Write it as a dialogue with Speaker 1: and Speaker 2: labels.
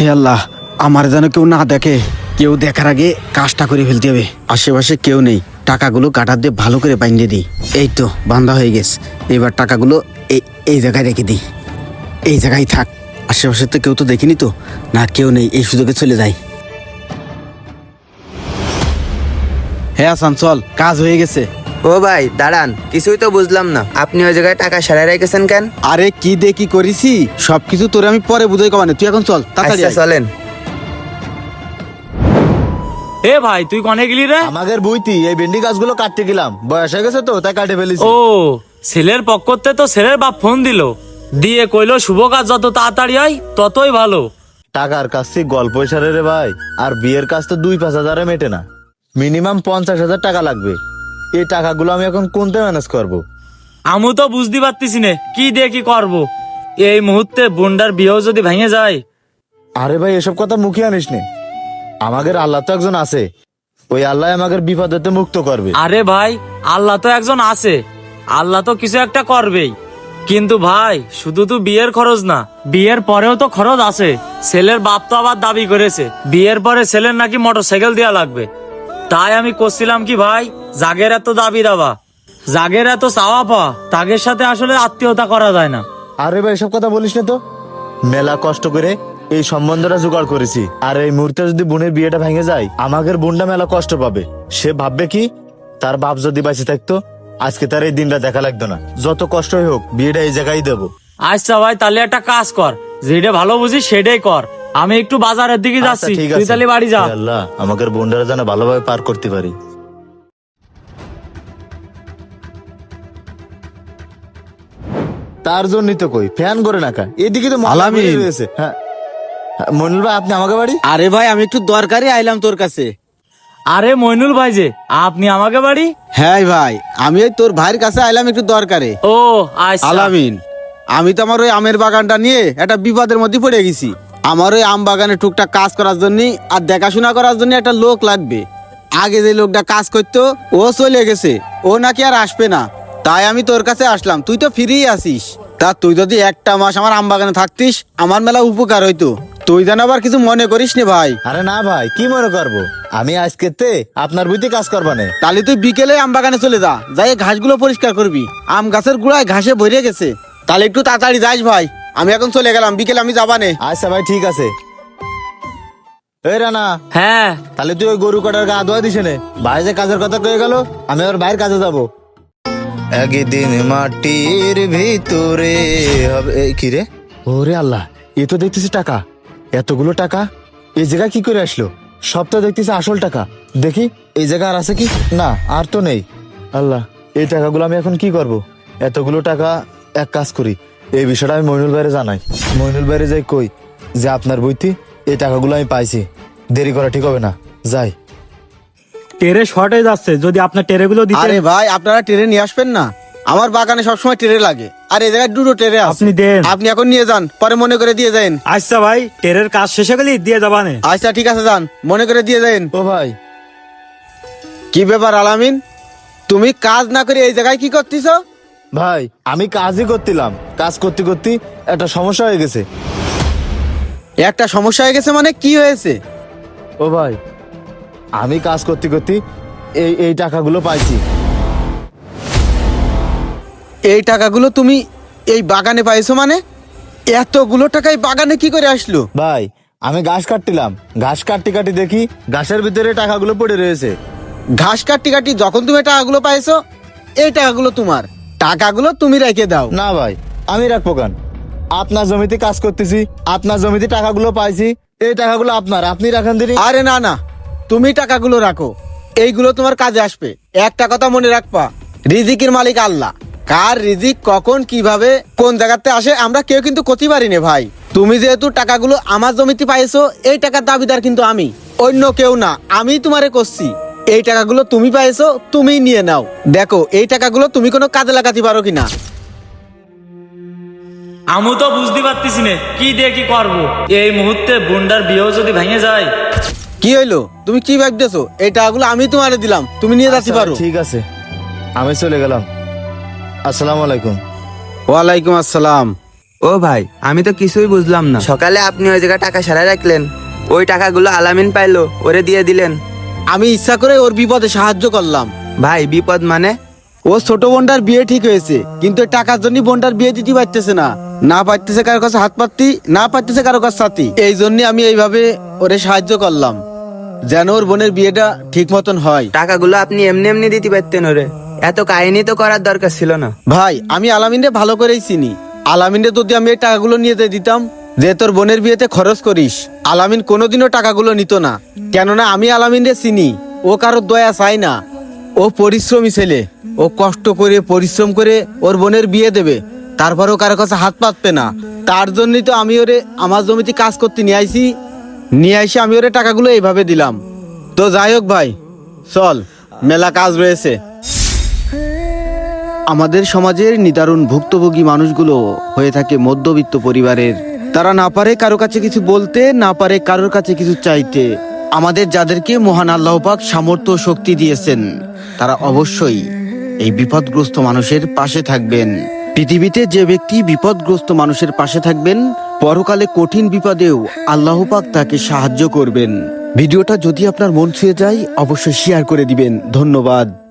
Speaker 1: হে আল্লাহ, আমার যেন কেউ না দেখে। কেউ দেখার আগে কাজটা করে ফেলতে হবে। আশেপাশে কেউ নেই, টাকাগুলো কাটার দিয়ে ভালো করে বাইন্ধে দিই। এই তো বান্ধা হয়ে গেছে। এবার টাকাগুলো এই জায়গায় রেখে দিই। এই জায়গায় থাক। আশেপাশে তো কেউ তো দেখিনি তো, না কেউ নেই, এই সুযোগে চলে যাই। হ্যাঁ হাসান, চল, কাজ হয়ে গেছে।
Speaker 2: ও ভাই দাঁড়ান, কিছুই তো বুঝলাম না, আপনি ওই জায়গায় টাকা সারাই রেখেছেন কেন?
Speaker 1: আরে কি দে কি করেছি সবকিছু তোরে আমি পরে বুঝাই কমানে, তুই এখন চল তাড়াতাড়ি
Speaker 2: আচ্ছা
Speaker 1: আয়।
Speaker 2: চলেন।
Speaker 3: এ ভাই তুই কনে গেলি রে?
Speaker 4: আমাদের বইতি এই ভেন্ডি গাছগুলো কাটতে গেলাম, বয়স হয়ে গেছে তো তাই কাটে ফেলেছি।
Speaker 3: ও ছেলের পক্ষতে তো ছেলের বাপ ফোন দিয়ে কইলো শুভ কাজ যত তাড়াতাড়ি হয় ততই ভালো।
Speaker 4: টাকার কাছ থেকে গল্প সারে রে ভাই, আর বিয়ের কাজ তো 2-5 হাজারে মেটে না, মিনিমাম 50,000 টাকা লাগবে। এই টাকাগুলো আমি এখন কোনতে ম্যানেজ করব?
Speaker 3: আমি তো বুঝতে পারতেছি না কি দিয়ে কি করবো। এই মুহূর্তে বোনটার বিয়েও যদি ভেঙে যায়।
Speaker 4: আরে ভাই এসব কথা মুখে আনিস নে, আমাদের আল্লাহ তো একজন আছে, ওই আল্লাহ আমাদের বিপদেতে মুক্ত করবে।
Speaker 3: আরে ভাই আল্লাহ তো একজন আছে, আল্লাহ তো কিছু একটা করবেই। কিন্তু ভাই শুধু তো বিয়ের খরচ না, বিয়ের পরেও তো খরচ আছে। ছেলের বাপ তো আবার দাবি করেছে বিয়ের পরে ছেলের নাকি মোটরসাইকেল দেওয়া লাগবে। তাই আমি করছিলাম কি ভাই, জাগের এত দাবি দাবা, জাগের এত চাওয়া পাওয়া, তাগের সাথে আসলে আত্মীয়তা করা যায় না।
Speaker 4: আরে ভাই এসব কথা বলিস না তো, মেলা কষ্ট করে এই সম্বন্ধটা জোগাড় করেছি, আর এই মুহূর্তে যদি বোনের বিয়েটা ভেঙে যায় আমাদের বোনটা মেলা কষ্ট পাবে। সে ভাববে কি, তার বাপ যদি বেঁচে থাকতো আজকে তার এই দিনটা দেখা লাগতো না। যত কষ্টই হোক বিয়েটা এই জায়গায় দেবো।
Speaker 3: আচ্ছা ভাই তাহলে একটা কাজ কর, যেটা ভালো বুঝিস সেটাই কর। আমি একটু বাজারের দিকে
Speaker 4: আচ্ছা,
Speaker 3: যাচ্ছি,
Speaker 4: ঠিক
Speaker 3: তুই
Speaker 4: আছে।
Speaker 3: তাহলে বাড়ি যা।
Speaker 4: হে আল্লাহ, আমাদের বোনটা যেন ভালোভাবে পার করতে পারি। তার জন্যই তো কই ফ্যান করে নাকা, এদিকে তো ময়লা
Speaker 1: আলামিন।
Speaker 4: পড়ে রয়েছে। হ্যাঁ মনিল ভাই, আপনি আমাকে বাড়ি?
Speaker 1: আরে ভাই আমি একটু দরকারি আইলাম তোর কাছে।
Speaker 3: আরে মইনুল ভাই যে, আপনি আমাকে বাড়ি?
Speaker 1: হ্যাঁ ভাই, আমি ওই তোর ভাইয়ের কাছে আইলাম একটু দরকারে।
Speaker 3: ও আচ্ছা।
Speaker 1: আলামিন, আমি তো আমার ওই আমের বাগানটা নিয়ে একটা বিপদের মধ্যে পড়ে গেছি। আমার ওই আম বাগানে টুকটাক কাজ করার জন্য আর দেখাশোনা করার জন্য একটা লোক লাগবে। আগে যে লোকটা কাজ করতো ও চলে গেছে, ও নাকি আর আসবে না। তাই আমি তোর কাছে আসলাম, তুই তো ফ্রিই আছিস। তা তুই যদি একটা মাস আমার আম বাগানে থাকতিস আমার মেলা উপকার হইতো। তুই যেন আবার কিছু মনে করিস নে ভাই।
Speaker 4: আরে না ভাই, কি মনে করবো, আমি আজকে আপনার বুঝতে কাজ করবা না।
Speaker 1: তাহলে তুই বিকেলে আম বাগানে চলে যা, যাই ঘাসগুলো পরিষ্কার করবি। আম গাছের গোড়ায় ঘাসে ভরে গেছে। তাহলে একটু তাড়াতাড়ি যাস ভাই, আমি এখন চলে গেলাম, বিকেলে আমি যাবানে।
Speaker 4: আচ্ছা ভাই ঠিক আছে। এই রানা,
Speaker 3: হ্যাঁ
Speaker 4: তাহলে তুই ওই গরু কাটার গা ধোয়া দিস নে, ভাই যে কাজের কথা কয়ে গেল, আমি ওর ভাইয়ের কাজে যাবো। একদিন মাটির ভিতরে হবে কি রে? ওরে আল্লাহ, এ তো দেখতেছি টাকা, এতগুলো টাকা এই জায়গায় কি করে আসলো? সব তো দেখতেছি আসল টাকা। দেখি এই জায়গা আর আছে কি না, আর তো নেই। আল্লাহ, এই টাকাগুলো আমি এখন কি করব? এতগুলো টাকা, এক কাজ করি, এই বিষয়টা আমি মইনুল ভাইরে জানাই। মইনুল ভাইরে যাই কই যে আপনার বইতে এই টাকাগুলো আমি পাইছি, দেরি করা ঠিক হবে না, যাই।
Speaker 5: টেরে শর্টেজ যাচ্ছে, যদি আপনার টেরেগুলো দিতে।
Speaker 1: আরে ভাই আপনারা ট্রেনে নিয়ে আসবেন না, আমার বাগানে সবসময় ট্রেনে লাগে। আর এই জায়গায় দুটো ট্রেনে আছে,
Speaker 5: আপনি দেন।
Speaker 1: আপনি এখন নিয়ে যান, পরে মনে করে দিয়ে যান।
Speaker 5: আচ্ছা ভাই, টেরের কাজ শেষে গেলি দিয়ে যাবানে।
Speaker 1: আচ্ছা ঠিক আছে, যান, মনে করে দিয়ে যান।
Speaker 4: ও ভাই,
Speaker 1: কি ব্যাপার আলামিন, তুমি কাজ না করে এই জায়গায় কি করতেছ?
Speaker 4: ভাই আমি কাজই করছিলাম, কাজ করতে করতে একটা সমস্যা হয়ে গেছে।
Speaker 1: একটা সমস্যা হয়ে গেছে মানে কি হয়েছে?
Speaker 4: ও ভাই, আমি কাজ করতে করতে এই টাকাগুলো পাইছি।
Speaker 1: এই টাকাগুলো তুমি এই বাগানে পাইছো মানে? এতগুলো টাকা এই বাগানে কি করে আসলো?
Speaker 4: ভাই আমি ঘাস কাটছিলাম, ঘাস কাটতে কাটতে দেখি ঘাসের ভিতরে টাকাগুলো পড়ে রয়েছে।
Speaker 1: ঘাস কাটি কাটি যখন তুমি টাকাগুলো পাইছো, এই টাকাগুলো তোমার, টাকাগুলো তুমি রেখে দাও।
Speaker 4: না ভাই, আমি রাখবো কেন? আপনার জমিতে কাজ করতেছি, আপনার জমিতে টাকাগুলো পাইছি, এই টাকাগুলো আপনার, আপনি রাখেন দিনই।
Speaker 1: আরে না না, তুমি টাকাগুলো রাখো, এইগুলো তোমার কাজে আসবে। একটা কথা মনে রাখবা, রিজিকের মালিক আল্লাহ। কার রিজিক কখন কিভাবে কোন জায়গাতে আসে আমরা কেউ কিন্তু করতে পারি না ভাই। তুমি যেহেতু টাকাগুলো আমার জমিতে পাইছো, এই টাকার দাবিদার কিন্তু আমি, অন্য কেউ না। আমি তোমারে করছি, এই টাকাগুলো তুমি পাইছো, তুমি নিয়ে নাও। দেখো এই টাকাগুলো তুমি কোনো কাজে লাগাতে পারো কিনা।
Speaker 3: আমি তো বুঝতে পারতেছি না কি দিয়ে কি করবো। এই মুহূর্তে বোনটার বিয়েও যদি ভেঙে যায়।
Speaker 1: কি হইলো, তুমি কি ভাবতেছো? এই টাকাগুলো আমি তোমারে দিলাম, তুমি নিয়ে যাচ্ছি
Speaker 4: আচ্ছা,
Speaker 1: পারো।
Speaker 4: ঠিক আছে, আমি চলে গেলাম। আসসালামু আলাইকুম।
Speaker 1: ওয়ালাইকুম আসসালাম।
Speaker 2: ও ভাই, আমি তো কিছুই বুঝলাম না। সকালে আপনি ওই জায়গায় টাকা সারাই রাখলেন, ওই টাকাগুলো আলামিন পাইলো, ওরে দিয়ে দিলেন।
Speaker 1: আমি ইচ্ছা করে ওর বিপদে সাহায্য করলাম।
Speaker 2: ভাই বিপদ মানে?
Speaker 1: ও ছোট বোনটার বিয়ে ঠিক হয়েছে, কিন্তু এই টাকার জন্য বোনটার বিয়ে দিতে পারতেছে না, না পারতেছে কারো কাছে হাত পাতি, না পারতেছে কারো কাছে ছাতি। এই জন্য আমি এইভাবে ওরে সাহায্য করলাম, যেন ওর বোনের বিয়েটা ঠিক মতন হয়।
Speaker 2: টাকাগুলো আপনি এমনি এমনি দিতে পারতেন ওরে, এত কাহিনী তো করার দরকার ছিল না।
Speaker 1: ভাই আমি আলামিনরে ভালো করেই চিনি। আলামিনরে যদি আমি এই টাকাগুলো নিয়ে দিতাম যে তোর বোনের বিয়েতে খরচ করিস, আলামিন কোনোদিনও টাকাগুলো নিত না। কেননা আমি আলামিনরে চিনি, ও কারোর দয়া চায় না। ও পরিশ্রমী ছেলে, ও কষ্ট করে পরিশ্রম করে ওর বোনের বিয়ে দেবে, তারপরেও কারো কাছে হাত পাতবে না। তার জন্যই তো আমি ওরে আমার জমিতে কাজ করতে নিয়ে আইসি আমি ওরে টাকাগুলো এইভাবে দিলাম। তো যাই হোক ভাই, চল, মেলা কাজ রয়েছে। আমাদের সমাজের নিদারুণ ভুক্তভোগী মানুষগুলো হয়ে থাকে মধ্যবিত্ত পরিবারের। তারা না পারে কারো কাছে কিছু বলতে, না পারে কারোর কাছে কিছু চাইতে। আমাদের যাদেরকে মহান আল্লাহ পাক সামর্থ্য ও শক্তি দিয়েছেন, তারা অবশ্যই এই বিপদগ্রস্ত মানুষের পাশে থাকবেন। পৃথিবীতে যে ব্যক্তি বিপদগ্রস্ত মানুষের পাশে থাকবেন, পরকালে কঠিন বিপদেও আল্লাহ পাক তাকে সাহায্য করবেন। ভিডিওটা যদি আপনার মন ছুঁয়ে যায়, অবশ্যই শেয়ার করে দিবেন। ধন্যবাদ।